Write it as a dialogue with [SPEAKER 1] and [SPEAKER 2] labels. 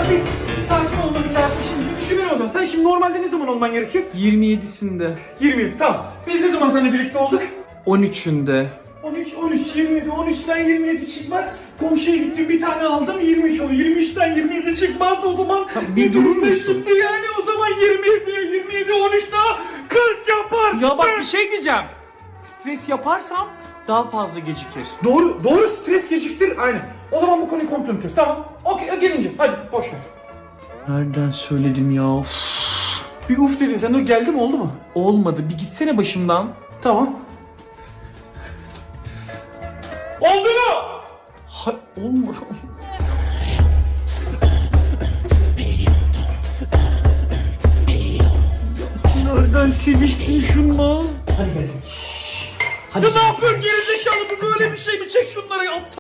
[SPEAKER 1] bir sakin olmak lazım şimdi. Bir düşünelim o zaman. Sen şimdi normalde ne zaman olman gerekiyor?
[SPEAKER 2] 27'sinde.
[SPEAKER 1] 27 tamam. Biz ne zaman seninle birlikte olduk?
[SPEAKER 2] 13'ünde.
[SPEAKER 1] 13, 27, 13'ten 27 çıkmaz. Komşuya gittim bir tane aldım 23 oldu. 23'ten 27 çıkmaz o zaman.
[SPEAKER 2] Bir durur musun?
[SPEAKER 1] Şimdi yani o zaman 27, 13 daha 40 yapar.
[SPEAKER 2] Ya bak bir şey diyeceğim. Stres yaparsam daha fazla gecikir.
[SPEAKER 1] Doğru stres geciktir aynen. O zaman bu konuyu komple unutuyoruz. Tamam. Okey gelince hadi boş ver.
[SPEAKER 2] Nereden söyledim ya?
[SPEAKER 1] Bir uf dedin sen o geldi mi oldu mu?
[SPEAKER 2] Olmadı. Bir gitsene başımdan.
[SPEAKER 1] Tamam. Oldu mu?
[SPEAKER 2] Olmadı. Nereden seviştin şunla?
[SPEAKER 1] Hadi gelsin.
[SPEAKER 2] Ya ne yapıyorsun gerizekalı, bu böyle bir şey mi? Çek şunları aptal.